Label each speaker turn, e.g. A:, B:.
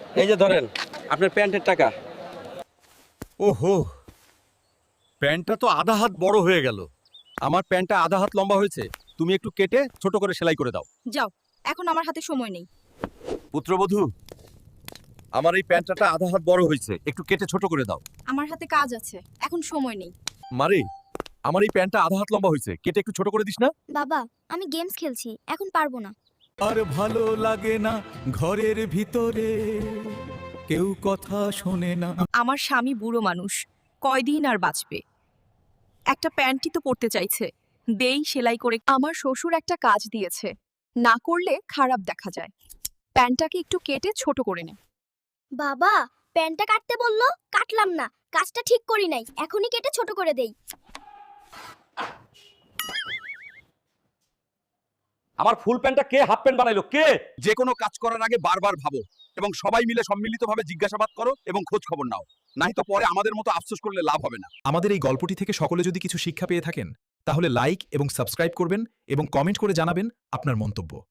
A: এই যে ধরেন আপনার প্যান্টের টাকা।
B: ওহো, প্যান্টটা তো আধা হাত বড় হয়ে গেল। আমার প্যান্টটা আধা হাত লম্বা হয়েছে, তুমি একটু কেটে ছোট করে সেলাই করে দাও।
C: যাও, এখন আমার হাতে সময় নেই।
B: পুত্রবধূ, আমার এই প্যান্টটা আধা হাত বড় হয়েছে, একটু কেটে ছোট করে দাও।
C: আমার হাতে কাজ আছে, এখন সময় নেই।
B: মারে, আমার এই প্যান্টটা আধা হাত লম্বা হয়েছে, কেটে একটু ছোট করে দিস না?
D: বাবা, আমি গেমস খেলছি, এখন পারবো না।
E: আর ভালো লাগে না ঘরের ভিতরে কেউ কথা শোনে না।
C: আমার স্বামী বুড়ো মানুষ, কয়দিন আর বাঁচবে? একটা প্যান্টই তো পরতে চাইছে, দেই সেলাই করে। আমার শ্বশুর একটা কাজ দিয়েছে, না করলে খারাপ দেখা যায়। প্যান্টটাকে একটু কেটে ছোট করে নে।
D: বাবা, প্যান্টটা কাটতে বললো, কাটলাম না। কাজটা ঠিক করি নাই, এখনই কেটে ছোট করে দেই।
B: আমার ফুল প্যান্টটা কে হাফ প্যান্ট বানাইলো? কে? যে কোনো কাজ করার আগে বারবার ভাবো এবং সবাই মিলে সম্মিলিতভাবে জিজ্ঞাসাবাদ করো এবং খোঁজ খবর নাও, নাই তো পরে আমাদের মতো আফসোস করলে লাভ হবে না।
F: আমাদের এই গল্পটি থেকে সকলে যদি কিছু শিক্ষা পেয়ে থাকেন তাহলে লাইক এবং সাবস্ক্রাইব করবেন এবং কমেন্ট করে জানাবেন আপনার মন্তব্য।